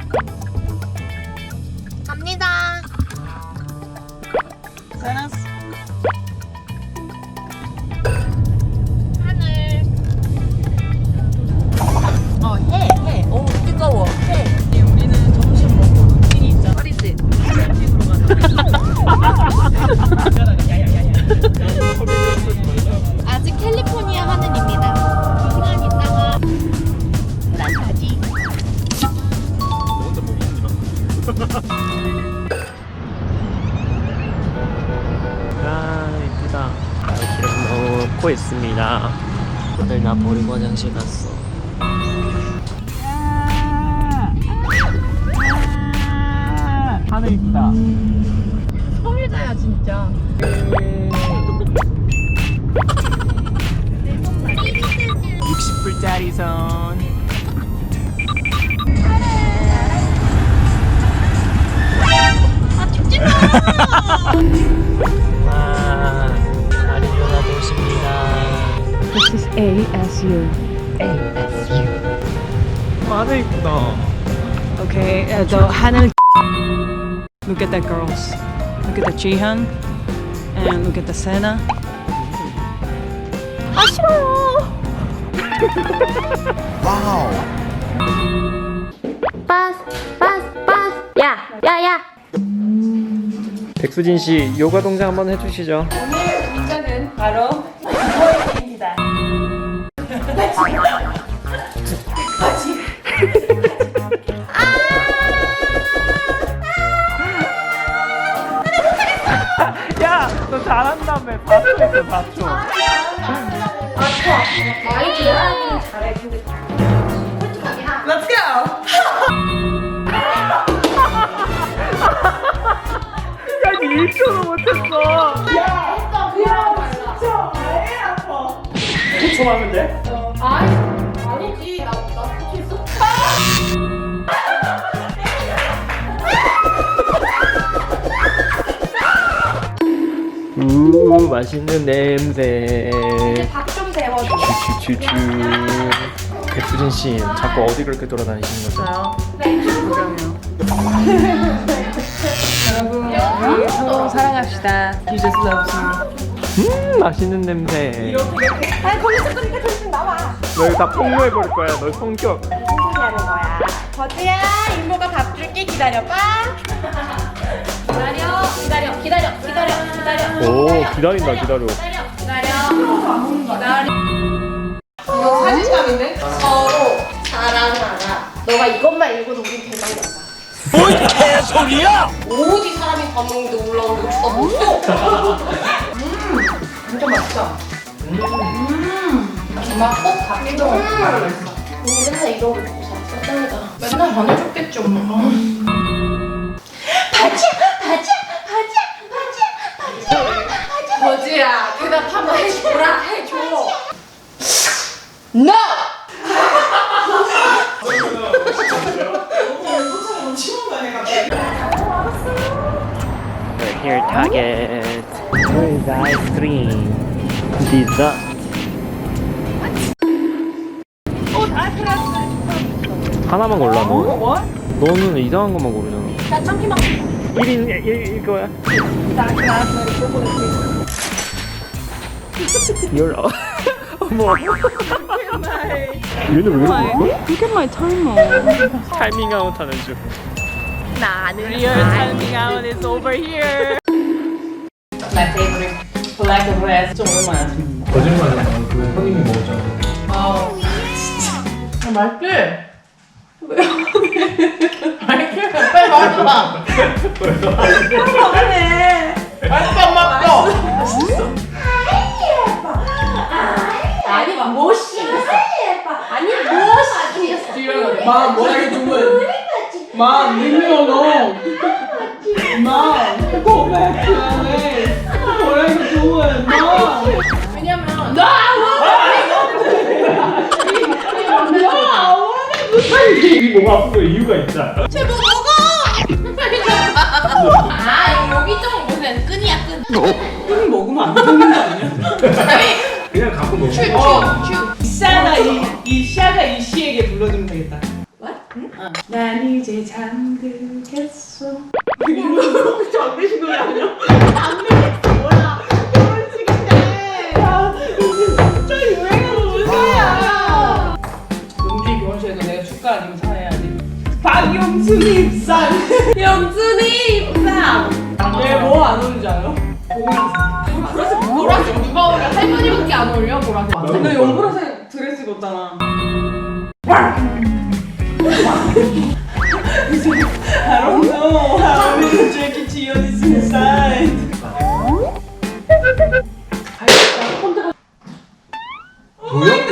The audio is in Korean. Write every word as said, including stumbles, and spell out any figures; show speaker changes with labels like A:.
A: 갑니다.
B: 세나스.
A: 하늘. 어, 해, 해. 오, 뜨거워. 해.
B: 네, 우리는 점심 먹고 루틴이 있잖아.
A: 어리지?
B: 캠핑으로 가자. 야야야야.
A: 아직 캘리포니아 하늘입니다. 두 시간 있다가 난 가지.
C: 혼자 보기 힘들어. 아 이쁘다. 길을 넣고 있습니다. 다들 나 버리고 화장실 갔어. 하늘 이쁘다.
B: 성일자야 진짜.
C: 육십 불짜리 선.
A: 아, 죽지 마!
C: 와, 아리조나 도시입니다.
B: This is A S U.
C: 하늘 이쁘다.
B: Okay, uh, the 하늘. Look at the girls. Look at the Jihan. And look at the Sena.
A: 아, 싫어요. 빠스, 빠스, 빠스. 야, 야, 야.
C: 백수진 씨 요가 동작 한번 해주시죠.
B: 오늘 동작은 바로 이거입니다.
C: 야, 너 잘한다며. 봤어 있어, 봤어.
A: 많이 좋아하기는 잘해. 근데
B: Let's go.
C: 야, 니 일 초도 못했어. 일 초 하면 돼?
A: 아니지. 나, 나 포기했어.
C: 우, 맛있는 냄새.
A: 밥 좀 데워줘.
C: 쭈쭈쭈쭈. 백수진 씨, 자꾸 어디 그렇게 돌아다니시는 거죠?
B: 여러분, 우리 서로 사랑합시다. You just love me.
C: 음, 맛있는 냄새.
A: 아니, 거기서 끄니까 정신 나와.
C: 너 이거 다 폭로해 버릴 거야. 너 성격.
A: 무슨 소리 하는 거야? 버즈야, 이모가 밥 줄게. 기다려봐. 기다려, 기다려, 기다려, 기다려, 기다려.
C: 오, 기다린다, 기다려.
A: 기다려, 기다려. 기다려. 이거 사진감인데? 서로 사랑하라. 너가 이것만 읽어도 우린 대박이야.
C: 뭔 개소리야!
A: 어디 사람이 밥 먹는데 올라오는 거 쳐다봤어? 음, 진짜 맛있다. 음, 정말 꼭 가기도 하고 맛있어. 언니 맨날 이런 거 먹고 살았어? 짱이다. 맨날 안 해줬겠지, 엄마가. 바지야, 바지야, 바지야, 바지야, 바지야, 바지야. 버지야, 대답 한번 해줘라, 해줘. No!
C: We're here, Target. Where is the ice cream? Dessert. 하나만 골라, 너.
B: 뭐?
C: 너는 이상한 것만 고르잖아.
A: 나 참기만.
C: 일 인 일, 일 거야. 열. 어머. 얘는 왜 이러고
B: Look at my timer.
C: 타이밍 아웃 하는 중.
A: 나는
B: Your timing out is over here. My favorite black bread. 좀 오랜만에 왔습니다.
C: 거짓말이야. 그 형님이 먹었잖아.
B: 아, 진짜. 아, 맛있지? 왜요? 맛있지? 빨리 말해봐. 그래. 맛있어, 맛있어.
A: 아니 뭐 시켰어? 아니 뭐 시켰어?
B: 마, 뭐라게 좋은? 마, leave me alone. 마, go back to L A. 뭐라게 좋은? 마.
A: 왜냐면
B: 나
C: 입이 뭐가 아픈 거 이유가 있잖아.
A: 제발 먹어! 아 여기 좀 무슨 끈이야 끈.
B: 끈 먹으면 안 되는 거 아니야?
C: 그냥 갖고 먹어.
A: 큐큐큐.
B: 샤가 이, 이 샤가 이 씨에게 불러주면 되겠다.
A: What? 응?
B: 난 이제 잠들겠어. 이거 잠드신 노래 아니야? 잠들겠어 뭐야? 결혼식인데. 야 진짜 유행하는 노래야. 용주이 결혼식에서 내가 축가 아니면 사해야지. 박용순 입상.
A: 영순이 입상.
B: 왜뭐 안 오는지 알아?
A: 보라색 보라색 누가 어울려? 할머니밖에 안 어울려 보라색.
B: 근데 연보라색 드레스 입었잖아. I don't know how many Jackie Cheon is inside.
D: 보여?